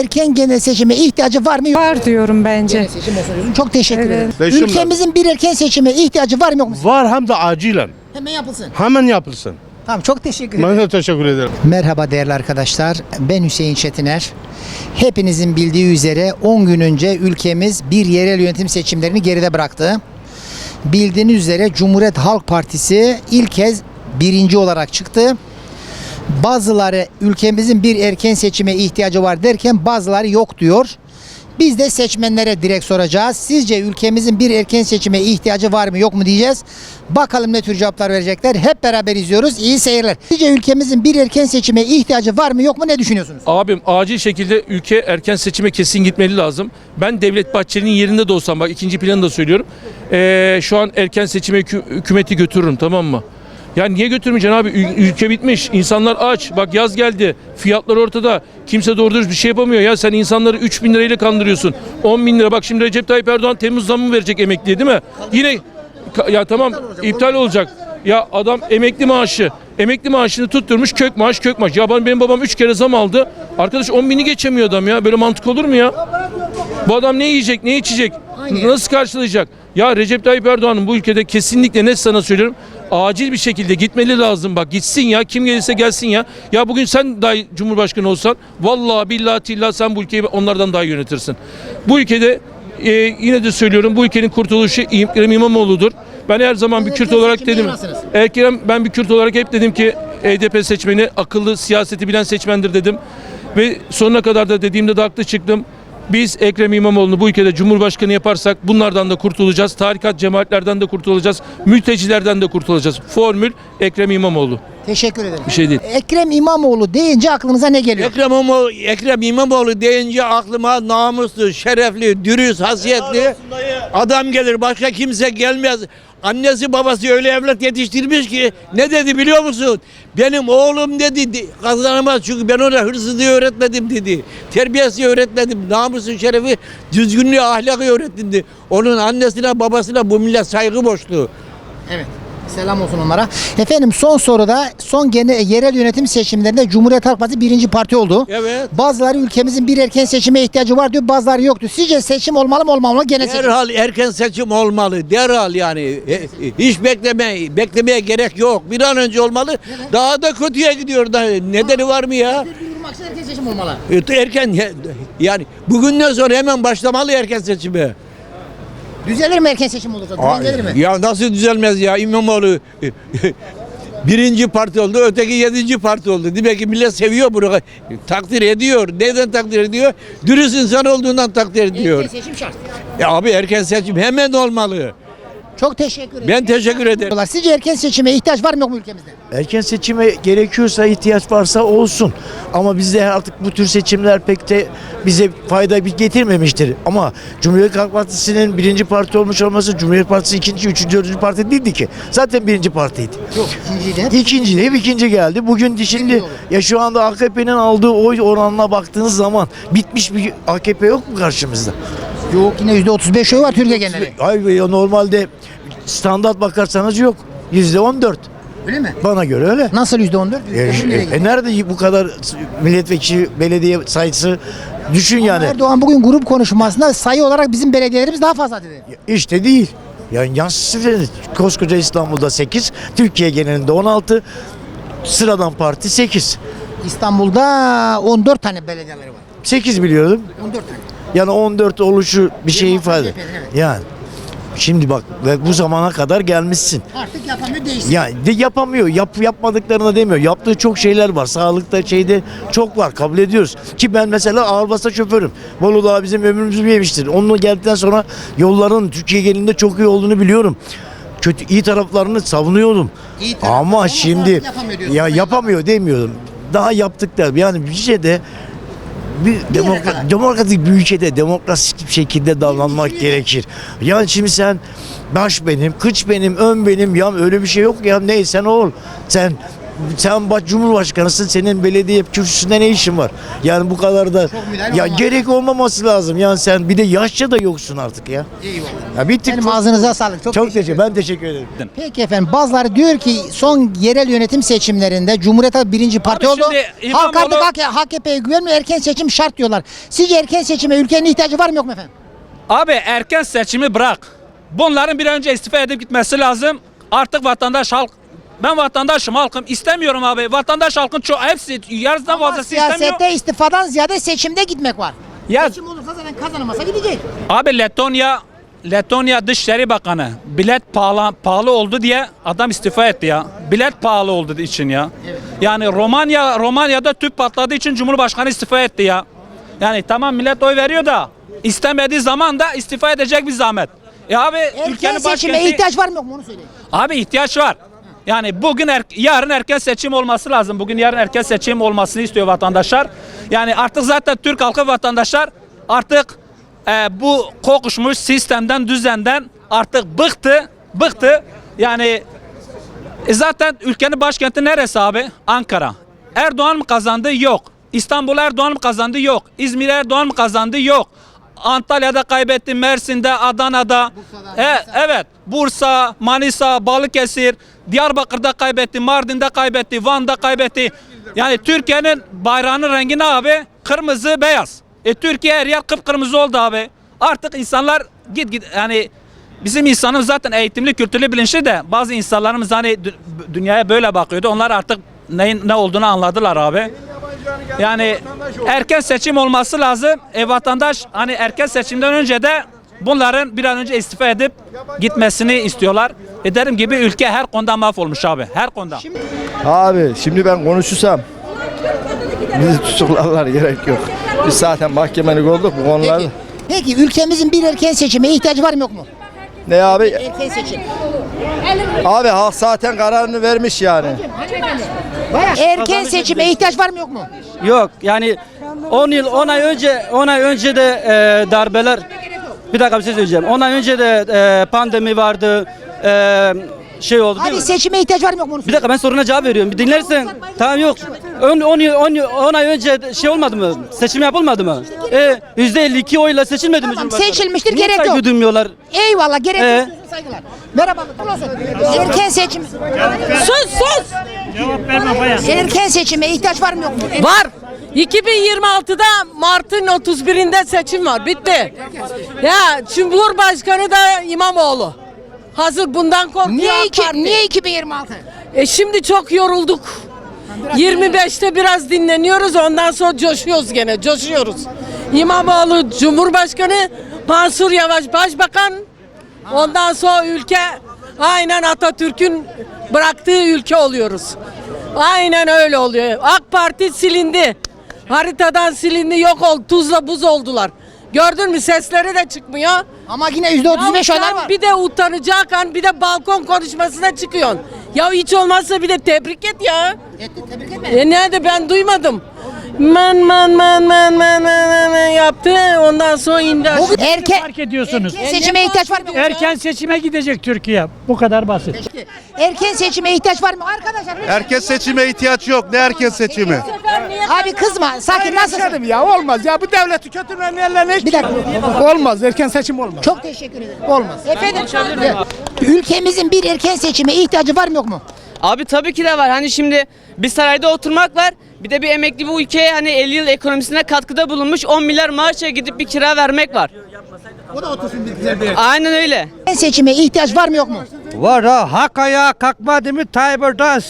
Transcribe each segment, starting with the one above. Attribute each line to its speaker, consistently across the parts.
Speaker 1: erken genel seçime ihtiyacı var mı? Yok.
Speaker 2: Var diyorum bence.
Speaker 1: Genel seçim olsun diyorsun. Çok teşekkür ederim.
Speaker 3: Seçim
Speaker 1: Ülkemizin bir erken seçime ihtiyacı var mı yok mu?
Speaker 3: Var hem de acilen.
Speaker 1: Hemen yapılsın.
Speaker 3: Hemen yapılsın.
Speaker 1: Tamam, çok teşekkür ederim.
Speaker 3: Ben de teşekkür ederim.
Speaker 1: Merhaba değerli arkadaşlar. Ben Hüseyin Çetiner. Hepinizin bildiği üzere 10 gün önce ülkemiz bir yerel yönetim seçimlerini geride bıraktı. Bildiğiniz üzere Cumhuriyet Halk Partisi ilk kez birinci olarak çıktı. Bazıları ülkemizin bir erken seçime ihtiyacı var derken bazıları yok diyor. Biz de seçmenlere direkt soracağız. Sizce ülkemizin bir erken seçime ihtiyacı var mı yok mu diyeceğiz. Bakalım ne tür cevaplar verecekler. Hep beraber izliyoruz. İyi seyirler. Sizce ülkemizin bir erken seçime ihtiyacı var mı yok mu, ne düşünüyorsunuz?
Speaker 4: Abim acil şekilde ülke erken seçime kesin gitmeli lazım. Ben Devlet Bahçeli'nin yerinde de olsam, bak ikinci planı da söylüyorum. Şu an erken seçime hükümeti götürürüm, tamam mı? Ya niye götürmeyeceksin abi? Ülke bitmiş. İnsanlar aç. Bak yaz geldi. Fiyatlar ortada. Kimse doğru dürüst bir şey yapamıyor. Ya sen insanları 3.000 lirayla kandırıyorsun. 10.000 lira. Bak şimdi Recep Tayyip Erdoğan Temmuz zammı verecek emekliye, değil mi? Yine ya tamam, iptal olacak. Ya adam emekli maaşını tutturmuş, kök maaş. Ya benim babam 3 kere zam aldı. Arkadaş 10.000'i geçemiyor adam ya. Böyle mantık olur mu ya? Bu adam ne yiyecek, ne içecek? Nasıl karşılayacak? Ya Recep Tayyip Erdoğan'ın bu ülkede kesinlikle, net sana söylüyorum, acil bir şekilde gitmeli lazım. Bak gitsin ya, kim gelirse gelsin ya. Ya bugün sen dahi Cumhurbaşkanı olsan vallahi billahi tillah sen bu ülkeyi onlardan daha iyi yönetirsin. Bu ülkede yine de söylüyorum, bu ülkenin kurtuluşu Ekrem İmamoğlu'dur. Ben her zaman bir Kürt olarak dedim. Ben bir Kürt olarak hep dedim ki HDP seçmeni akıllı, siyaseti bilen seçmendir dedim. Ve sonuna kadar da dediğimde de haklı çıktım. Biz Ekrem İmamoğlu'nu bu ülkede Cumhurbaşkanı yaparsak bunlardan da kurtulacağız. Tarikat cemaatlerden de kurtulacağız. Mültecilerden de kurtulacağız. Formül Ekrem İmamoğlu.
Speaker 1: Teşekkür ederim.
Speaker 4: Bir şey değil.
Speaker 1: Ekrem İmamoğlu deyince aklınıza ne geliyor?
Speaker 5: Ekrem İmamoğlu deyince aklıma namuslu, şerefli, dürüst, hasiyetli adam gelir. Başka kimse gelmez. Annesi babası öyle evlat yetiştirmiş ki ne dedi biliyor musun? Benim oğlum dedi kazanamaz çünkü ben ona hırsızlığı öğretmedim dedi. Terbiyesi öğretmedim. Namusu, şerefi, düzgünlüğü, ahlakı öğrettim dedi. Onun annesine babasına bu millet saygı borçlu.
Speaker 1: Evet. Selam olsun onlara. Efendim son soruda yerel yönetim seçimlerinde Cumhuriyet Halk Partisi birinci parti oldu.
Speaker 5: Evet.
Speaker 1: Bazıları ülkemizin bir erken seçime ihtiyacı var diyor, bazıları yoktu. Sizce seçim olmalı mı olmamalı? Genel seçim.
Speaker 5: Derhal erken seçim olmalı. Derhal yani. Hiç beklemeye gerek yok. Bir an önce olmalı. Daha da kötüye gidiyor da. Nedeni var mı ya?
Speaker 1: Erken seçim olmalı.
Speaker 5: Erken yani bugünden sonra hemen başlamalı erken seçime.
Speaker 1: Düzelir mi erken seçim olursa? Düzelir mi?
Speaker 5: Ya nasıl düzelmez ya? İmamoğlu birinci parti oldu, öteki 7. parti oldu. Demek ki millet seviyor bunu. Takdir ediyor. Neden takdir ediyor? Dürüst insan olduğundan takdir ediyor.
Speaker 1: Erken seçim şart.
Speaker 5: Abi erken seçim hemen olmalı.
Speaker 1: Çok teşekkür ederim.
Speaker 5: Ben teşekkür ederim.
Speaker 1: Sizce erken seçime ihtiyaç var mı yok mu ülkemizde?
Speaker 6: Erken seçime gerekiyorsa, ihtiyaç varsa olsun. Ama bizde artık bu tür seçimler pek de bize fayda getirmemiştir. Ama Cumhuriyet Halk Partisi'nin birinci parti olmuş olması, Cumhuriyet Partisi ikinci, üçüncü, dördüncü parti değildi ki. Zaten birinci partiydi.
Speaker 1: Yok.
Speaker 6: İkinci geldi. Bugün şimdi ya şu anda AKP'nin aldığı oy oranına baktığınız zaman bitmiş bir AKP yok mu karşımızda?
Speaker 1: Yok, yine %35 oy var Türkiye geneli.
Speaker 6: Hayır ya, normalde standart bakarsanız yok. %14.
Speaker 1: Öyle mi?
Speaker 6: Bana göre öyle.
Speaker 1: Nasıl %14?
Speaker 6: Nerede bu kadar milletvekili, belediye sayısı, düşün yani.
Speaker 1: Erdoğan bugün grup konuşmasında sayı olarak bizim belediyelerimiz daha fazla dedi.
Speaker 6: İşte değil. Yani yansısı koskoca İstanbul'da 8, Türkiye genelinde 16, sıradan parti 8.
Speaker 1: İstanbul'da 14 tane belediyeleri var.
Speaker 6: 8 biliyordum.
Speaker 1: 14 tane.
Speaker 6: Yani 14 oluşu bir şey ifade.
Speaker 1: Evet.
Speaker 6: Yani şimdi bak ve bu zamana kadar gelmişsin.
Speaker 1: Artık yapamıyor, değişsin.
Speaker 6: Yani de yapamıyor. Yapmadıklarını demiyor. Yaptığı çok şeyler var. Sağlıkta çok var. Kabul ediyoruz. Ki ben mesela ağır basa şoförüm. Bolu Dağı bizim ömrümüzü yemiştir. Onunla geldikten sonra yolların Türkiye genelinde çok iyi olduğunu biliyorum. İyi taraflarını savunuyordum. Ama şimdi yapamıyor demiyorum. Daha yaptıklar. Yani bir şeyde demokratik bir ülkede demokratik bir şekilde davranmak gerekir. Yani şimdi sen baş benim, kıç benim, ön benim, ya öyle bir şey yok ya, neysen ol. Sen sen bak Cumhurbaşkanısın, senin belediye kürsüsünde ne işin var? Yani bu kadar da ya gerek olmaması lazım. Yani sen bir de yaşça da yoksun artık ya.
Speaker 1: Eyvallah.
Speaker 6: Ya bittik.
Speaker 1: Benim ağzınıza sağlık. Çok
Speaker 6: Çok ben teşekkür ederim.
Speaker 1: Peki efendim, bazıları diyor ki son yerel yönetim seçimlerinde Cumhuriyet Halk birinci parti oldu.
Speaker 2: şimdi
Speaker 1: Halk
Speaker 2: İmamoğlu-
Speaker 1: artık AKP'ye güvenmiyor, erken seçim şart diyorlar. Sizce erken seçime ülkenin ihtiyacı var mı yok mu efendim?
Speaker 2: Abi erken seçimi bırak. Bunların bir an önce istifa edip gitmesi lazım. Artık vatandaş halk, ben vatandaşım, halkım istemiyorum abi. Vatandaş halkın çok hepsi yarısından
Speaker 1: Ama
Speaker 2: fazlası istemiyor.
Speaker 1: siyasette istifadan ziyade seçimde gitmek var.
Speaker 2: Ya
Speaker 1: Seçim olursa zaten kazanamasa gidecek.
Speaker 2: abi Letonya Dışişleri Bakanı bilet pahalı oldu diye adam istifa etti ya. Bilet pahalı olduğu için ya. Yani Romanya'da tüp patladığı için Cumhurbaşkanı istifa etti ya. Yani tamam millet oy veriyor da istemediği zaman da istifa edecek bir zahmet. Abi
Speaker 1: Erken
Speaker 2: ülkenin
Speaker 1: seçime
Speaker 2: başkenti
Speaker 1: ihtiyaç var mı yok mu onu söyleyin.
Speaker 2: abi ihtiyaç var. Yani bugün yarın erken seçim olması lazım. Bugün yarın erken seçim olmasını istiyor vatandaşlar. Yani artık zaten Türk halkı vatandaşlar artık bu kokuşmuş sistemden, düzenden artık bıktı. Yani zaten ülkenin başkenti neresi abi? Ankara. Erdoğan mı kazandı? Yok. İstanbul Erdoğan mı kazandı? Yok. İzmir Erdoğan mı kazandı? Yok. Antalya'da kaybetti, Mersin'de, Adana'da. Evet. Bursa, Manisa, Balıkesir, Diyarbakır'da kaybetti, Mardin'de kaybetti, Van'da kaybetti. Yani Türkiye'nin bayrağının rengi ne abi? Kırmızı, beyaz. Türkiye her yer kıpkırmızı oldu abi. Artık insanlar git yani bizim insanımız zaten eğitimli, kültürlü, bilinçli de bazı insanlarımız hani dünyaya böyle bakıyordu. Onlar artık neyin ne olduğunu anladılar abi. Yani erken seçim olması lazım. Vatandaş hani erken seçimden önce de bunların bir an önce istifa edip gitmesini istiyorlar. Dediğim gibi ülke her konuda mahvolmuş abi. Her konuda.
Speaker 7: Abi şimdi ben konuşursam bizi tutuklarlar, gerek yok. Biz zaten mahkemelik olduk bu konularda.
Speaker 1: Peki ülkemizin bir erken seçime ihtiyacı var mı yok mu?
Speaker 7: Ne abi?
Speaker 1: Erken seçim.
Speaker 7: Abi halk zaten kararını vermiş yani.
Speaker 1: Erken seçime ihtiyaç var mı yok mu?
Speaker 8: Yok yani 10 ay önce de darbeler, bir dakika bir şey söyleyeceğim. 10 ay önce de pandemi vardı. Şey oldu değil
Speaker 1: Abi
Speaker 8: mi?
Speaker 1: seçime ihtiyaç var mı yok mu?
Speaker 8: Bir dakika ben soruna cevap veriyorum. Bir dinlersen. Tamam yok. 10 ay önce şey olmadı mı? Seçim yapılmadı mı? %52 oyla seçilmedi mi
Speaker 1: Tamam,
Speaker 8: Cumhurbaşkanı?
Speaker 1: seçilmiştir,
Speaker 8: Niye
Speaker 1: gerek yok.
Speaker 8: saygı duymuyorlar?
Speaker 1: Eyvallah, gerek yok. Diyorsun, saygılar. Merhaba. Erken seçim.
Speaker 9: Sus!
Speaker 1: Erken seçime ihtiyaç var mı yok mu?
Speaker 9: Var. 2026'da Mart'ın 31'inde seçim var. Bitti. Ya Cumhurbaşkanı da İmamoğlu. Hazır bundan korkuyor AK Parti.
Speaker 1: Niye 2026?
Speaker 9: Şimdi çok yorulduk. 25'te biraz dinleniyoruz, ondan sonra coşuyoruz gene, coşuyoruz. İmamoğlu Cumhurbaşkanı, Mansur Yavaş Başbakan. Ondan sonra ülke aynen Atatürk'ün bıraktığı ülke oluyoruz. Aynen öyle oluyor. AK Parti silindi. Haritadan silindi, yok oldu. Tuzla buz oldular. Gördün mü, sesleri de çıkmıyor.
Speaker 1: Ama yine %35 oylar var.
Speaker 9: Bir de utanacak an, bir de balkon konuşmasına çıkıyorsun. Ya hiç olmazsa bir de tebrik et ya.
Speaker 1: Tebrik etme.
Speaker 9: Nerede, ben duymadım. Man yaptı, ondan sonra indi aşağı.
Speaker 1: Erken
Speaker 10: ediyorsunuz.
Speaker 1: seçime ihtiyaç var mı?
Speaker 10: Erken seçime gidecek Türkiye. Bu kadar basit.
Speaker 1: Erken seçime ihtiyaç var mı? Arkadaşlar.
Speaker 3: Erken seçime ihtiyaç yok. Ne erken seçimi?
Speaker 1: Abi kızma. Sakin, nasılsın?
Speaker 10: Ya olmaz ya, bu devleti kötülerin ellerine hiç
Speaker 1: Bir dakika.
Speaker 10: olmaz. Erken seçim olmaz.
Speaker 1: Çok teşekkür ederim. Olmaz. Efendim. Ülkemizin bir erken seçime ihtiyacı var mı yok mu?
Speaker 11: Abi tabii ki de var. Hani şimdi bir sarayda oturmak var. Bir de bir emekli bu ülkeye hani 50 yıl ekonomisine katkıda bulunmuş 10 milyar maaşa gidip bir kira vermek var.
Speaker 1: O da otursun bir güzel bir.
Speaker 11: Aynen öyle.
Speaker 1: Erken seçime ihtiyaç var mı yok mu?
Speaker 7: Var ha, hak ayağa kalkmadı mı Tayyip Erdoğan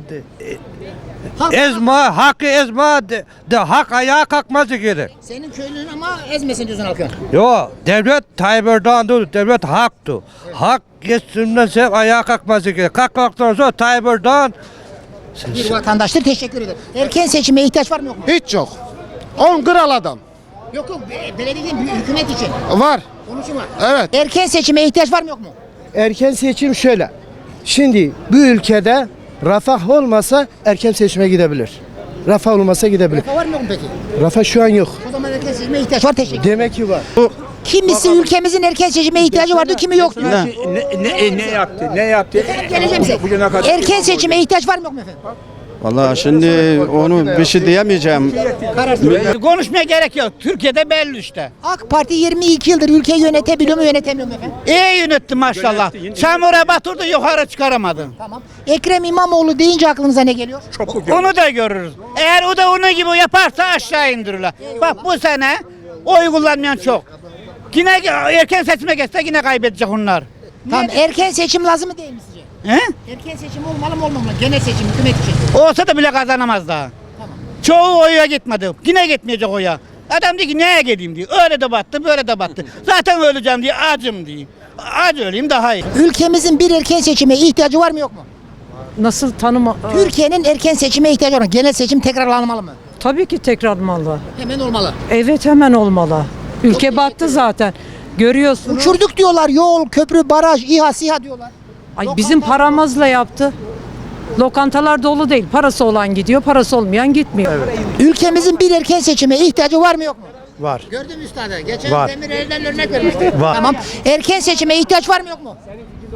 Speaker 7: hakkı ezma de hak ayağa kalkması gerek.
Speaker 1: Senin köylünün ama ezmesin diyorsun halkı.
Speaker 7: Yo, devlet Tayyip Erdoğan değil, devlet haktı. Hak geçsinmezse ayağa kalkması gerek. Kalkmaktan sonra Tayyip Erdoğan
Speaker 1: Bir vatandaştır, teşekkür ederim. Erken seçime ihtiyaç var mı yok mu?
Speaker 10: Hiç yok. 10 kral adam.
Speaker 1: Yok belediye değil, hükümet için.
Speaker 10: Var.
Speaker 1: Konuşun var.
Speaker 10: Evet.
Speaker 1: Erken seçime ihtiyaç var mı yok mu?
Speaker 12: Erken seçim şöyle. Şimdi bu ülkede refah olmasa erken seçime gidebilir. Refah olmasa gidebilir.
Speaker 1: Refah var mı yok mu peki?
Speaker 12: Refah şu an yok.
Speaker 1: O zaman erken seçime ihtiyaç var, teşekkür ederim.
Speaker 12: Demek ki var.
Speaker 1: Kimisi ülkemizin erken seçime ihtiyacı vardı, kimi yoktu.
Speaker 7: ne yaptı? Ne yaptı?
Speaker 1: Geleceğim size. Erken seçime ihtiyaç var mı yok mu efendim?
Speaker 13: Vallahi şimdi onu bir şey diyemeyeceğim.
Speaker 5: Konuşmaya gerek yok. Türkiye'de belli işte.
Speaker 1: AK Parti 22 yıldır ülkeyi yönetebiliyor mu yönetemiyor mu efendim?
Speaker 5: İyi yönetti maşallah. Çamura batırdı yukarı çıkaramadı.
Speaker 1: Tamam. Ekrem İmamoğlu deyince aklınıza ne geliyor?
Speaker 5: Onu da görürüz. Eğer o da onun gibi yaparsa aşağı indirirler. Bak bu sene oy kullanmayan çok. Yine erken seçime geçse yine kaybedecek onlar.
Speaker 1: Tamam, erken seçim lazım mı değil mi sizce?
Speaker 5: He?
Speaker 1: Erken seçim olmalı mı olmamalı? Genel seçim hükümet için.
Speaker 5: Olsa da bile kazanamaz daha. Çoğu oya gitmedi. Yine gitmeyecek oya. Adam diyor ki neye geleyim diyor. Öyle de battı, böyle de battı. Zaten öleceğim diye acım diyor. Ac öleyim daha iyi.
Speaker 1: Ülkemizin bir erken seçime ihtiyacı var mı yok mu?
Speaker 9: Nasıl tanıma?
Speaker 1: Türkiye'nin erken seçime ihtiyacı var mı? Genel seçim tekrarlanmalı mı?
Speaker 9: Tabii ki tekrarlanmalı.
Speaker 1: Hemen olmalı.
Speaker 9: Evet, hemen olmalı. Ülke battı zaten. Görüyorsunuz.
Speaker 1: Uçurduk diyorlar, yol, köprü, baraj, İHA, SİHA diyorlar.
Speaker 9: Ay, bizim paramızla yaptı. Lokantalar dolu değil. Parası olan gidiyor, parası olmayan gitmiyor.
Speaker 1: Ülkemizin bir erken seçime ihtiyacı var mı yok mu?
Speaker 12: Var.
Speaker 1: Gördün mü üstadı? Geçen
Speaker 12: Var.
Speaker 1: Demirel'den örnek vermişti.
Speaker 12: Var.
Speaker 1: Tamam. Erken seçime ihtiyaç var mı yok mu?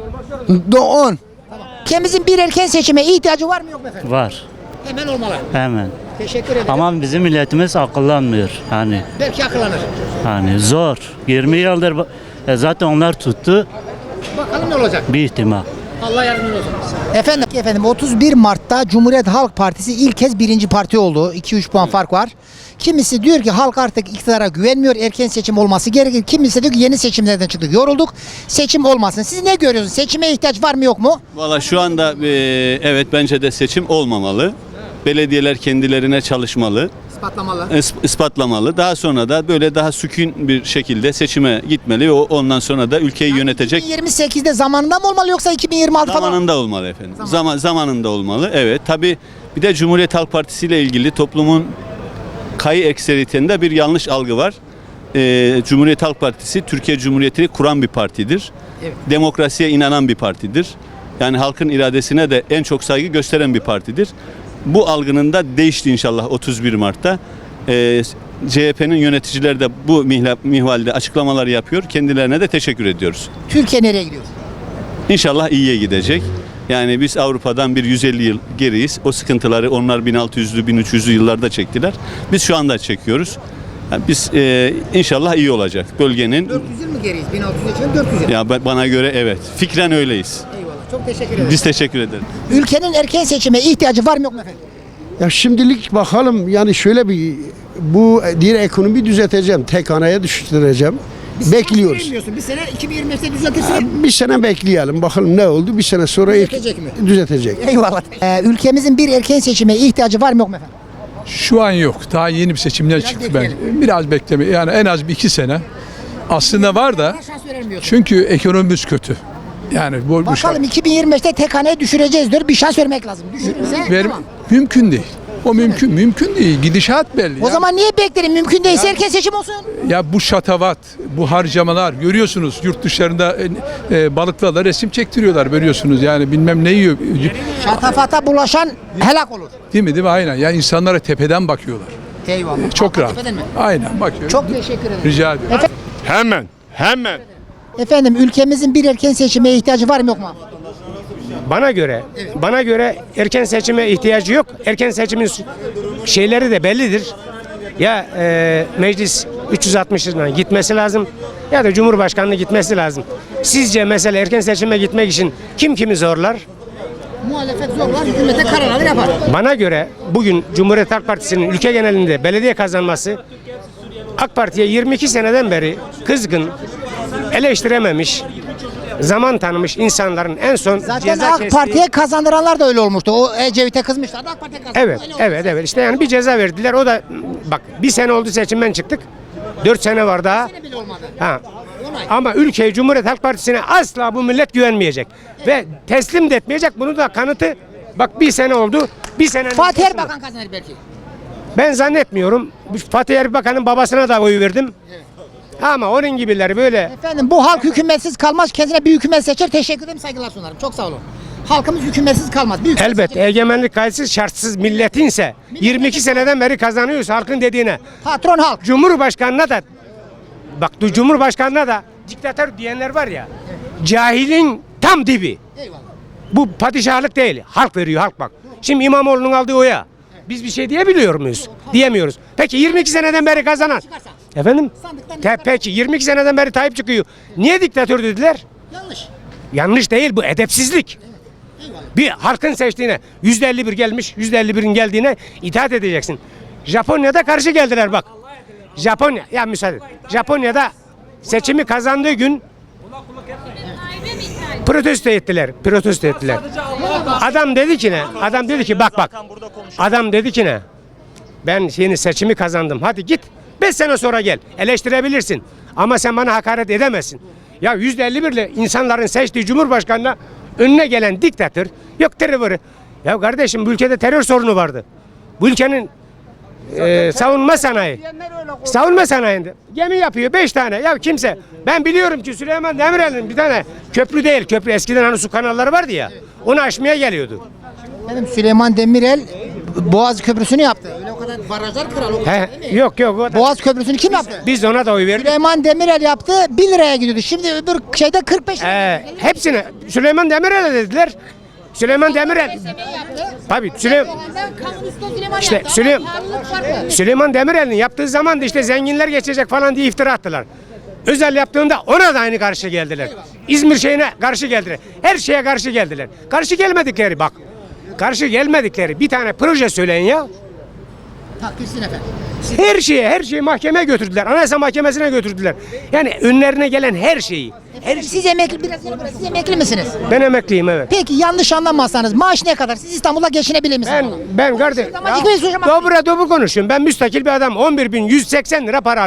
Speaker 12: 10.
Speaker 1: Ülkemizin bir erken seçime ihtiyacı var mı yok mu efendim?
Speaker 14: Var.
Speaker 1: Hemen olmalı.
Speaker 14: Hemen.
Speaker 1: Teşekkür ederim.
Speaker 14: Ama bizim milletimiz akıllanmıyor.
Speaker 1: Belki akıllanır.
Speaker 14: Zor. 20 yıldır zaten onlar tuttu.
Speaker 1: Bakalım ne olacak?
Speaker 14: Bir ihtimal.
Speaker 1: Allah yardımcınız olsun. Efendim 31 Mart'ta Cumhuriyet Halk Partisi ilk kez birinci parti oldu. 2-3 puan fark var. Kimisi diyor ki halk artık iktidara güvenmiyor. Erken seçim olması gerekir. Kimisi diyor ki yeni seçimlerden çıktık. Yorulduk. Seçim olmasın. Siz ne görüyorsunuz? Seçime ihtiyaç var mı yok mu?
Speaker 15: Valla şu anda evet bence de seçim olmamalı. Belediyeler kendilerine çalışmalı.
Speaker 1: İspatlamalı.
Speaker 15: Ispatlamalı. Daha sonra da böyle daha sükun bir şekilde seçime gitmeli. Ondan sonra da ülkeyi yönetecek.
Speaker 1: 2028'de zamanında mı olmalı yoksa 2026 falan?
Speaker 15: Zamanında olmalı efendim. Zamanında olmalı. Evet. Tabii bir de Cumhuriyet Halk Partisi ile ilgili toplumun kayı ekseriyetinde bir yanlış algı var. Cumhuriyet Halk Partisi Türkiye Cumhuriyeti'ni kuran bir partidir.
Speaker 1: Evet.
Speaker 15: Demokrasiye inanan bir partidir. Yani halkın iradesine de en çok saygı gösteren bir partidir. Bu algının da değişti inşallah 31 Mart'ta. CHP'nin yöneticileri de bu mihvalde açıklamalar yapıyor. Kendilerine de teşekkür ediyoruz.
Speaker 1: Türkiye nereye gidiyor?
Speaker 15: İnşallah iyiye gidecek. Yani biz Avrupa'dan bir 150 yıl geriyiz. O sıkıntıları onlar 1600'lü 1300'lü yıllarda çektiler. Biz şu anda çekiyoruz. Yani biz inşallah iyi olacak. Bölgenin
Speaker 1: 400 yıl mı geriyiz? 1600 yaşında 400 yıl.
Speaker 15: ya bana göre evet. Fikren öyleyiz.
Speaker 1: Eyvallah. Çok teşekkür ederim.
Speaker 15: Biz teşekkür ederiz.
Speaker 1: Ülkenin erken seçime ihtiyacı var mı yok mu efendim?
Speaker 12: Ya şimdilik bakalım yani şöyle bir bu diğer ekonomiyi düzelteceğim. Tek haneye düşüreceğim. Bekliyoruz.
Speaker 1: Bilmiyorsun. Bir sene 2025'te düzeltirsin.
Speaker 12: Bir sene bekleyelim bakalım ne oldu. Bir sene sonra
Speaker 1: Düzeltecek mi?
Speaker 12: düzeltecek.
Speaker 1: Eyvallah. Ülkemizin bir erken seçime ihtiyacı var mı yok mu efendim?
Speaker 16: Şu an yok. Daha yeni bir seçimler çıktı ben. Biraz bekleme. Yani en az bir 2 sene. Aslında var da.
Speaker 1: Şans veremiyorsun.
Speaker 16: Çünkü ekonomimiz kötü. Yani bu
Speaker 1: Bakalım 2025'te tek haneye düşüreceğiz diyor. Bir şans vermek lazım. Düşürürse tamam.
Speaker 16: mümkün değil. O mümkün değil. Gidişat belli.
Speaker 1: O zaman niye beklerim? Mümkün değilse erken seçim olsun.
Speaker 16: Ya bu şatavat, bu harcamalar görüyorsunuz yurt dışlarında balıklarla resim çektiriyorlar görüyorsunuz. Yani bilmem ne yiyor.
Speaker 1: Şatafata bulaşan helak olur.
Speaker 16: Değil mi? Aynen. Ya insanlara tepeden bakıyorlar.
Speaker 1: Eyvallah.
Speaker 16: Çok rahat.
Speaker 1: Tepeden mi?
Speaker 16: Aynen bakıyor.
Speaker 1: Çok teşekkür ederim.
Speaker 16: Rica ederim.
Speaker 13: Hemen.
Speaker 1: Efendim ülkemizin bir erken seçime ihtiyacı var mı yok mu?
Speaker 10: Bana göre erken seçime ihtiyacı yok. Erken seçimin şeyleri de bellidir. Ya meclis 360 yılına gitmesi lazım ya da Cumhurbaşkanlığı gitmesi lazım. Sizce mesela erken seçime gitmek için kim kimi zorlar?
Speaker 1: Muhalefet zorlar, hükümete kararları yapar.
Speaker 10: Bana göre bugün Cumhuriyet Halk Partisi'nin ülke genelinde belediye kazanması AK Parti'ye 22 seneden beri kızgın, eleştirememiş, zaman tanımış insanların en son
Speaker 1: Zaten
Speaker 10: ceza
Speaker 1: AK
Speaker 10: kestiği...
Speaker 1: Parti'ye kazandıranlar da öyle olmuştu. O Ecevit'e kızmışlardı. AK Parti'ye kazandı.
Speaker 10: Evet. İşte yani bir ceza verdiler. O da bak bir sene oldu seçimden çıktık. 4 sene var daha.
Speaker 1: Bile olmadı.
Speaker 10: Ha. Ama ülkeyi Cumhuriyet Halk Partisi'ne asla bu millet güvenmeyecek. Ve teslim de etmeyecek. Bunu da kanıtı bak bir sene oldu. Bir sene
Speaker 1: Fatih Erbakan kazanır belki.
Speaker 10: ben zannetmiyorum. Fatih Erbakan'ın babasına da oy verdim. Ama onun gibileri böyle.
Speaker 1: Efendim bu halk hükümetsiz kalmaz. Kendine bir hükümet seçer. Teşekkür ederim. Saygılar sunarım. Çok sağ olun. Halkımız hükümetsiz kalmaz. Bir hükümet
Speaker 10: Elbette
Speaker 1: seçer.
Speaker 10: egemenlik kayıtsız şartsız milletinse 22 seneden beri kazanıyoruz halkın dediğine.
Speaker 1: Patron halk.
Speaker 10: Cumhurbaşkanına da bak Cumhurbaşkanına da diktatör diyenler var ya. Cahilin tam dibi.
Speaker 1: Eyvallah.
Speaker 10: Bu padişahlık değil. Halk veriyor halk bak. Şimdi İmamoğlu'nun aldığı oya biz bir şey diyebiliyor muyuz? Diyemiyoruz. Peki 22 seneden beri kazanan. Efendim? Peki 22 seneden beri Tayyip çıkıyor. Niye diktatör dediler?
Speaker 1: Yanlış.
Speaker 10: Yanlış değil, bu edepsizlik. Bir halkın seçtiğine %51 gelmiş, %51'in geldiğine itaat edeceksin. Japonya'da karşı geldiler bak. Japonya, ya müsaade. Japonya'da seçimi kazandığı gün protesto ettiler. Adam dedi ki ne? Adam dedi ki bak. Adam dedi ki ne? Ben yeni seçimi kazandım. Hadi git. 5 sene sonra gel. Eleştirebilirsin. Ama sen bana hakaret edemezsin. Ya %51 ile insanların seçtiği Cumhurbaşkanı'na önüne gelen diktatör, yok terörü. Ya kardeşim bu ülkede terör sorunu vardı. Bu ülkenin savunma sanayinde gemi yapıyor 5 tane. Ya kimse, ben biliyorum ki Süleyman Demirel'in bir tane köprü değil, köprü eskiden hani su kanalları vardı ya, onu aşmaya geliyordu.
Speaker 1: Benim Süleyman Demirel Boğaz Köprüsü'nü yaptı. Öyle o kadar barajlar kral.
Speaker 10: Yok.
Speaker 1: Boğaz Köprüsü'nü kim yaptı?
Speaker 10: Biz ona da oy verdik.
Speaker 1: Süleyman Demirel yaptı, 1 liraya gidiyordu. Şimdi öbür şeyde 45 lira.
Speaker 10: Hepsini Süleyman Demirel'e dediler. Süleyman Demirel. Tabii Süleyman Demirel'in yaptığı zaman da işte zenginler geçecek falan diye iftira attılar. Özel yaptığında ona da aynı karşı geldiler. İzmir şeyine karşı geldiler. Her şeye karşı geldiler. Karşı gelmedikleri bir tane proje söyleyin ya.
Speaker 1: Takdirsin efendim.
Speaker 10: Her şeyi mahkemeye götürdüler. Anayasa Mahkemesi'ne götürdüler. Yani önlerine gelen her şeyi.
Speaker 1: Siz emekli, siz emekli misiniz?
Speaker 10: Ben emekliyim, evet.
Speaker 1: Peki yanlış anlamazsanız maaş ne kadar? Siz İstanbul'da geçinebilir misiniz?
Speaker 10: Ben kardeşim. Dobra konuşuyorum. Ben müstakil bir adam. 11.180 lira para alıyorum.